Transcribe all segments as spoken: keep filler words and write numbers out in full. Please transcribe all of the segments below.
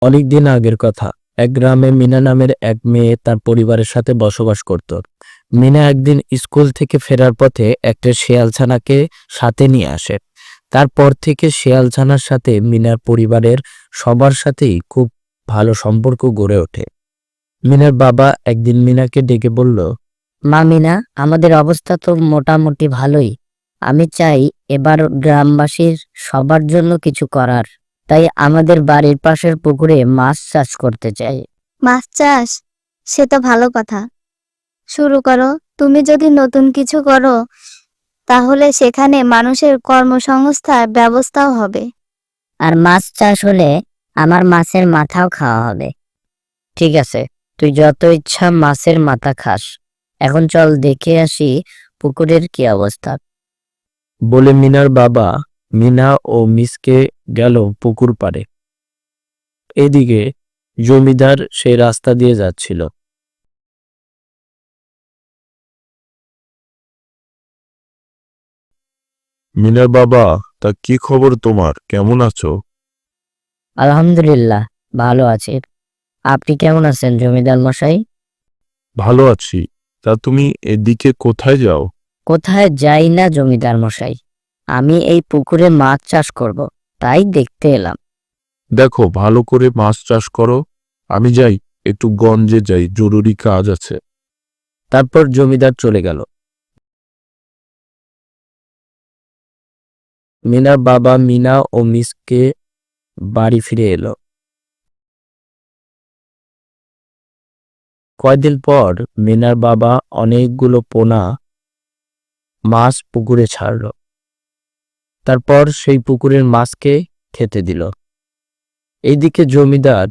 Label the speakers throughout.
Speaker 1: অনেকদিন আগের কথা। এক গ্রামে মিনা নামের এক মেয়ে তার পরিবারের সাথে বসবাস করত। মিনা একদিন স্কুল থেকে ফেরার পথে একটা শেয়ালছানাকে সাথে নিয়ে আসে। তারপর থেকে শেয়ালছানার সাথে মিনার পরিবারের সবার সাথেই খুব ভালো সম্পর্ক গড়ে ওঠে। মিনার বাবা একদিন মিনাকে ডেকে বলল,
Speaker 2: মা মিনা, আমাদের অবস্থা তো মোটামুটি ভালোই। আমি চাই এবার গ্রামবাসীর সবার জন্য কিছু করার। তাই আমাদের বাড়ির পাশের পুকুরে মাছ চাষ করতে চাই।
Speaker 3: মাছ চাষ? সে তো ভালো কথা, শুরু করো। তুমি যদি নতুন কিছু করো তাহলে সেখানে মানুষের কর্মসংস্থার ব্যবস্থাও হবে।
Speaker 2: আর মাছ চাষ হলে আমার মাছের মাথাও খাওয়া হবে। ঠিক আছে, তুই যত ইচ্ছা মাছের মাথা খাস। এখন চল দেখে আসি পুকুরের কি অবস্থা।
Speaker 1: বলে মিনার বাবা মিনা ও মিসকে গেল পুকুর পাড়ে। এদিকে জমিদার সেই রাস্তা দিয়ে যাচ্ছিল।
Speaker 4: মিনার বাবা, তা কি খবর তোমার? কেমন আছো?
Speaker 2: আলহামদুলিল্লাহ, ভালো আছি। আপনি কেমন আছেন জমিদার মশাই?
Speaker 4: ভালো আছি। তা তুমি এদিকে কোথায় যাও?
Speaker 2: কোথায় যাই না জমিদার মশাই, আমি এই পুকুরে মাছ চাষ করব, তাই দেখতে এলাম।
Speaker 4: দেখো, ভালো করে মাছ চাষ করো। আমি যাই, একটু গঞ্জে যাই, জরুরি কাজ আছে।
Speaker 1: তারপর জমিদার চলে গেল। মিনার বাবা মিনা ও মিসকে বাড়ি ফিরে এলো। কয়দিন পর মিনার বাবা অনেকগুলো পোনা মাছ পুকুরে ছাড়ল। তারপর সেই পুকুরের মাছকে খেতে দিল। এইদিকে জমিদার,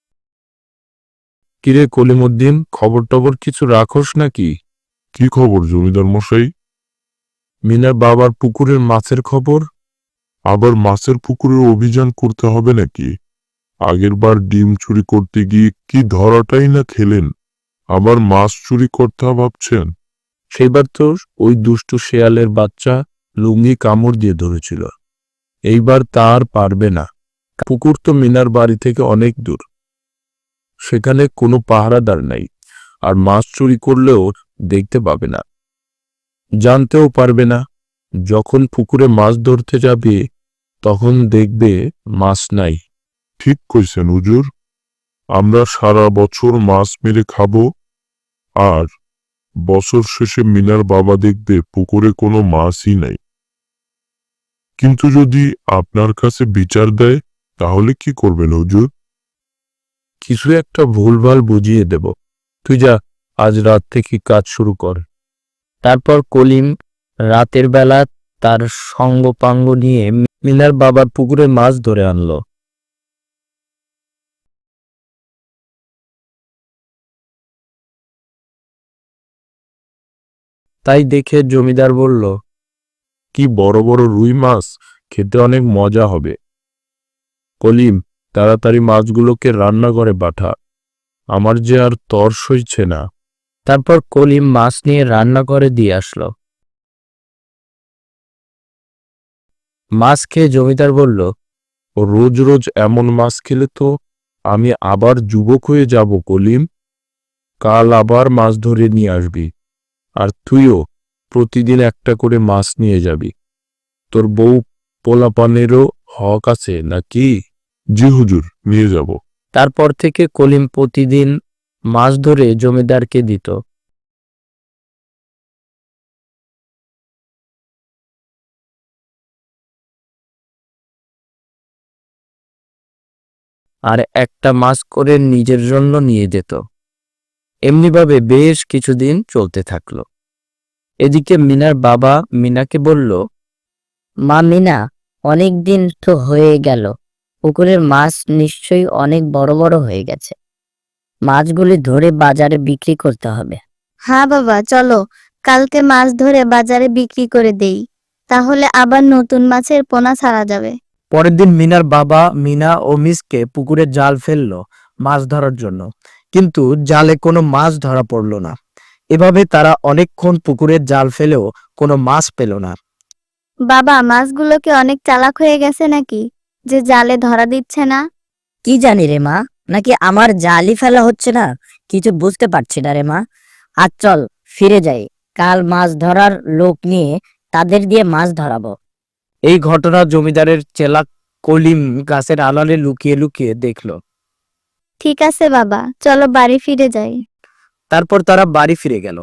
Speaker 4: কিরে কলিমুদ্দিন, খবর টবর কিছু রাখোস নাকি? কি খবর জমিদার মশাই? মিনার বাবার পুকুরের মাছের খবর। আবার মাছের পুকুরের অভিযান করতে হবে নাকি? আগের বার ডিম চুরি করতে গিয়ে কি ধরাটাই না খেলেন, আবার মাছ চুরি করতে ভাবছেন?
Speaker 1: সেবার তো ওই দুষ্টু শেয়ালের বাচ্চা লুঙ্গি কামড় দিয়ে ধরেছিল। এইবার তার পারবে না। পুকুর তো মিনার বাড়ি থেকে অনেক দূর, সেখানে কোনো পাহারাদার নাই, আর মাছ চুরি করলেও দেখতে পাবে না, জানতেও পারবে না। যখন পুকুরে মাছ ধরতে যাবে তখন দেখবে মাছ নাই।
Speaker 4: ঠিক কইছেন হুজুর, আমরা সারা বছর মাছ মেরে খাবো, আর বছর শেষে মিনার বাবা দেখবে পুকুরে কোনো মাছই নাই। কিন্তু যদি আপনার কাছে বিচার দেয় তাহলে কি করবেন হুজুর?
Speaker 1: কিছু একটা ভুলভাল বুঝিয়ে দেব। তুই যা, আজ রাত থেকে কাজ শুরু কর। তারপর কলিম রাতের বেলা তার সঙ্গপাঙ্গ নিয়ে মিনার বাবার পুকুরে মাছ ধরে আনলো। তাই দেখে জমিদার বলল,
Speaker 4: কি বড় বড় রুই মাছ, খেতে অনেক মজা হবে।
Speaker 1: কলিম, তাড়াতাড়ি মাছগুলোকে রান্না করে পাঠা, আমার যে আর তর সইছে না। তারপর কলিম মাছ নিয়ে রান্না করে দিয়ে আসলো। মাছ খেয়ে জমিদার বলল,
Speaker 4: ও রোজ রোজ এমন মাছ খেলে তো আমি আবার যুবক হয়ে যাব কলিম। কাল আবার মাছ ধরে নিয়ে আসবি, আর তুইও প্রতিদিন একটা করে মাছ নিয়ে যাবি। তোর বউ পোলাপানেরও হক আছে নাকি? জি হুজুর, নিয়ে যাব।
Speaker 1: তারপর থেকে কলিম প্রতিদিন মাছ ধরে জমিদারকে দিত। আর একটা মাছ করে নিজের জন্য নিয়ে যেত। এমনিভাবে বেশ কিছুদিন চলতে থাকলো। এদিকে মিনার বাবা মিনাকে বলল,
Speaker 2: মা মিনা, অনেক দিন তো হয়ে গেল, পুকুরের মাছ নিশ্চয়ই অনেক বড় বড় হয়ে গেছে। মাছগুলি ধরে বাজারে বিক্রি করতে হবে।
Speaker 3: হ্যাঁ বাবা, চলো কালকে মাছ ধরে বাজারে বিক্রি করে দেই, তাহলে আবার নতুন মাছের পোনা ছাড়া যাবে।
Speaker 1: পরের দিন মিনার বাবা মিনা ও মিসকে পুকুরে জাল ফেললো মাছ ধরার জন্য, কিন্তু জালে কোনো মাছ ধরা পড়ল না। এভাবে তারা অনেকক্ষণ পুকুরে জাল ফেলেও কোনো মাছ পেল না।
Speaker 3: বাবা, মাছগুলোকে অনেক চালাক হয়ে গেছে নাকি, যে জালে ধরা দিচ্ছে না?
Speaker 2: কি জানি রে মা, নাকি আমার জালই ফেলা হচ্ছে না, কিছু বুঝতে পারছি না রে মা। আজ চল ফিরে যাই, কাল মাছ ধরার লোক নিয়ে তাদের দিয়ে মাছ ধরাবো।
Speaker 5: এই ঘটনা জমিদারের চেলা কলিম গাছের আড়ালে লুকিয়ে লুকিয়ে দেখলো।
Speaker 3: ঠিক আছে বাবা, চলো বাড়ি ফিরে যাই।
Speaker 5: তারপর তারা বাড়ি ফিরে গেল।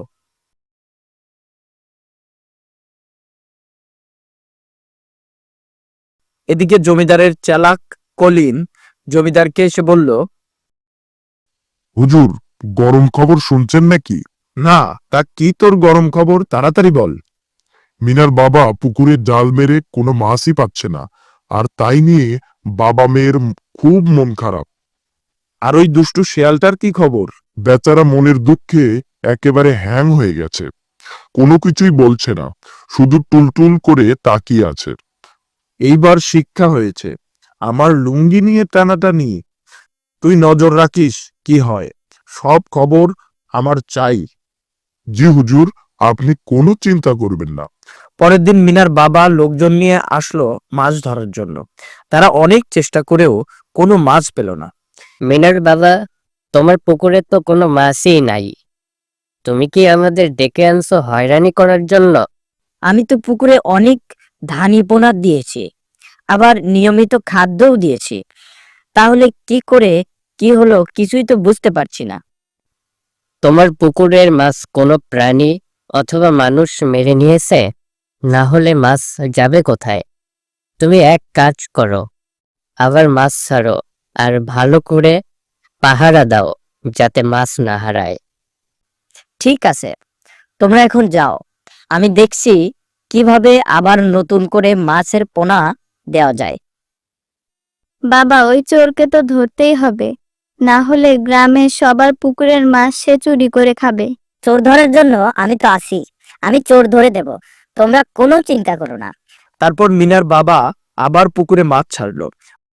Speaker 5: এদিকে জমিদারের চেলাক কলিম জমিদারকে এসে বলল,
Speaker 4: হুজুর, গরম খবর শুনছেন নাকি?
Speaker 1: না, তা কি তোর গরম খবর, তাড়াতাড়ি বল।
Speaker 4: মিনার বাবা পুকুরে জাল মেরে কোনো মাছই পাচ্ছে না, আর তাই নিয়ে বাবা মেয়ের খুব মন খারাপ।
Speaker 1: আর ওই দুষ্টু শেয়ালটার কি খবর?
Speaker 4: বেচারা মনের দুঃখে একেবারে হ্যাং হয়ে গেছে, কোনো কিছুই বলছে না, শুধু টুলটুল করে তাকিয়ে আছে।
Speaker 1: এইবার শিক্ষা হয়েছে, আমার লুঙ্গি নিয়ে টানাটানি। তুই নজর রাখিস কি হয়, সব খবর আমার চাই।
Speaker 4: জি হুজুর, আপনি কোনো চিন্তা করবেন না।
Speaker 5: পরের দিন মিনার বাবা লোকজন নিয়ে আসলো মাছ ধরার জন্য। তারা অনেক চেষ্টা করেও কোনো মাছ পেল না।
Speaker 2: মিনার বাবা, তোমার পুকুরে তো কোনো মাছই নাই, তুমি কি আমাদের ডেকে আনছো হয়রানি করার জন্য? আমি তো পুকুরে অনেক ধানি পোনা দিয়েছি, আবার নিয়মিত খাদ্যও দিয়েছি, তাহলে কি করে কি হলো কিছুই তো বুঝতে পারছি না। তোমার পুকুরের মাছ কোনো প্রাণী অথবা মানুষ মেরে নিয়েছে, না হলে মাছ যাবে কোথায়? তুমি এক কাজ করো, আবার মাছ ছাড়ো আর ভালো করে পাহারা দাও যাতে মাছ না হারায়। ঠিক আছে, তোমরা এখন যাও, আমি দেখছি কিভাবে আবার নতুন করে মাছের পোনা দেওয়া যায়।
Speaker 3: বাবা, ওই চোরকে তো ধরতেই হবে, না হলে গ্রামের সবার পুকুরের মাছ সে চুরি করে খাবে।
Speaker 2: চোর ধরার জন্য আমি তো আছি, আমি চোর ধরে দেব, তোমরা কোনো চিন্তা করো না।
Speaker 5: তারপর মিনার বাবা আবার পুকুরে মাছ ছাড়লো,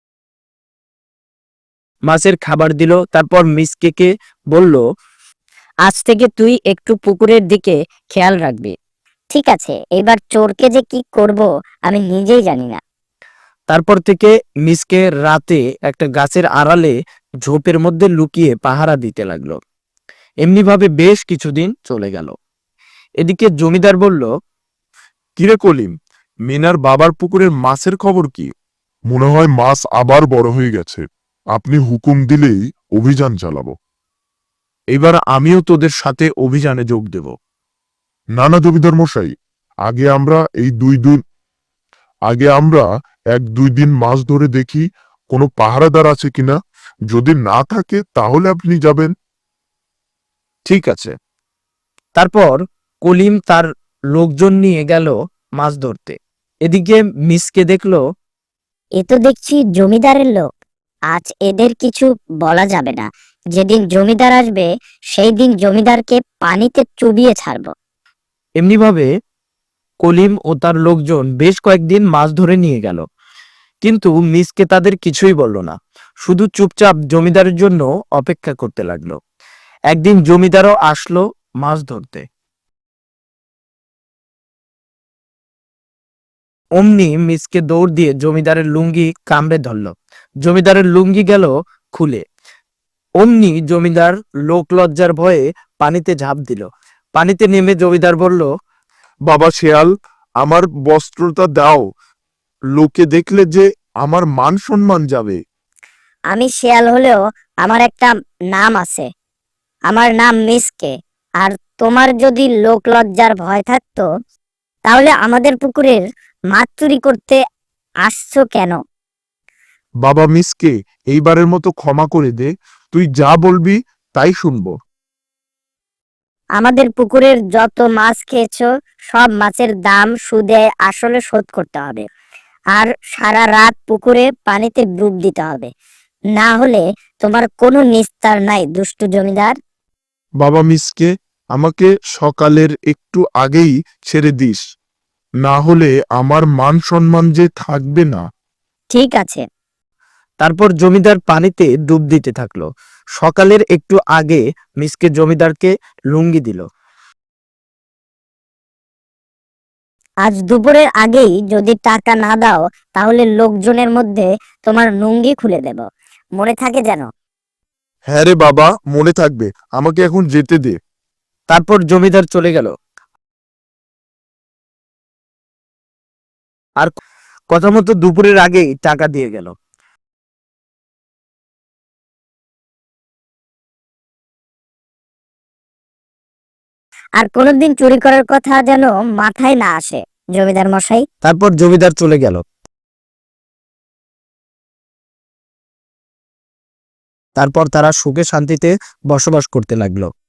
Speaker 5: মাছের খাবার দিল। তারপর মিসকেকে বলল,
Speaker 2: আজ থেকে তুই একটু পুকুরের দিকে খেয়াল রাখবি। ঠিক আছে, এবার চোরকে যে কি করব আমি নিজেই জানি না।
Speaker 5: তারপর থেকে মিসকে রাতে একটা গাছের আড়ালে ঝোপের মধ্যে লুকিয়ে পাহারা দিতে লাগলো। এমনিভাবে বেশ কিছুদিন চলে গেল। এদিকে জমিদার বলল,
Speaker 1: কিরে কলিম, মিনার বাবার পুকুরের মাছের খবর কি?
Speaker 4: মনে হয় মাছ আবার বড় হয়ে গেছে, আপনি হুকুম দিলেই অভিযান চালাবো।
Speaker 1: এবার আমিও তোদের সাথে অভিযানে যোগ দেব।
Speaker 4: না না জমিদার মশাই, আগে আমরা এই দুই দিন আগে আমরা এক দুই দিন মাছ ধরে দেখি কোনো পাহারাদার আছে কিনা, যদি না থাকে তাহলে আপনি যাবেন।
Speaker 1: ঠিক আছে।
Speaker 5: তারপর কলিম তার লোকজন নিয়ে গেল মাছ ধরতে। এদিকে মিসকে দেখলো,
Speaker 2: এ তো দেখছি জমিদারের লোক, আজ এদের কিছু বলা যাবে না, যেদিন জমিদার আসবে সেই দিন জমিদারকে পানিতে চুবিয়ে ছাড়বো।
Speaker 5: এমনিভাবে কলিম ও তার লোকজন বেশ কয়েকদিন মাছ ধরে নিয়ে গেল, কিন্তু মিসকে তাদের কিছুই বলল না, শুধু চুপচাপ জমিদারের জন্য অপেক্ষা করতে লাগলো। একদিন জমিদারও আসলো মাছ ধরতে। অমনি মিসকে দৌড় দিয়ে জমিদারের লুঙ্গি কামড়ে ধরল। জমিদারের লুঙ্গি গেল খুলে। অমনি জমিদার লোক লজ্জার ভয়ে পানিতে ঝাঁপ দিল। পানিতে নেমে জমিদার বলল,
Speaker 1: বাবা শেয়াল, আমার বস্ত্রটা দাও, লোকে দেখলে যে আমার মান সম্মান যাবে।
Speaker 2: আমি শেয়াল হলেও আমার একটা নাম আছে, আমার নাম মিসকে। আর তোমার যদি লোক লজ্জার ভয় থাকতো তাহলে আমাদের পুকুরের মাছ চুরি করতে আসছো কেন?
Speaker 1: বাবা মিসকে, এইবারের মতো ক্ষমা করে দে, তুই যা বলবি তাই শুনবো।
Speaker 2: আমাদের পুকুরের যত মাছ খেয়েছো সব মাছের দাম সুদে আসলে শোধ করতে হবে, আর সারা রাত পুকুরে পানিতে ডুব দিতে হবে, না হলে তোমার কোনো নিস্তার নাই দুষ্টু জমিদার।
Speaker 1: বাবা মিসকে, আমাকে সকালের একটু আগেই ছেড়ে দিস, না হলে আমার মান সম্মান যে থাকবে না।
Speaker 2: ঠিক আছে।
Speaker 5: তারপর জমিদার পানিতে ডুব দিতে থাকলো। সকালের একটু আগে মিসকে জমিদারকে লুঙ্গি দিল।
Speaker 2: আজ দুপুরের আগেই যদি টাকা না দাও তাহলে লোকজনের মধ্যে তোমার লুঙ্গি খুলে দেব। মনে থাকে যেন।
Speaker 1: হ্যাঁ রে বাবা, মনে থাকবে। আমাকে এখন যেতে দে।
Speaker 5: তারপর জমিদার চলে গেল। আর কথা মতো দুপুরের আগেই টাকা দিয়ে গেল।
Speaker 2: আর কোনোদিন চুরি করার কথা যেন মাথায় না আসে, জমিদার মশাই।
Speaker 5: তারপর জমিদার চলে গেল। তারপর তারা সুখে শান্তিতে বসবাস করতে লাগলো।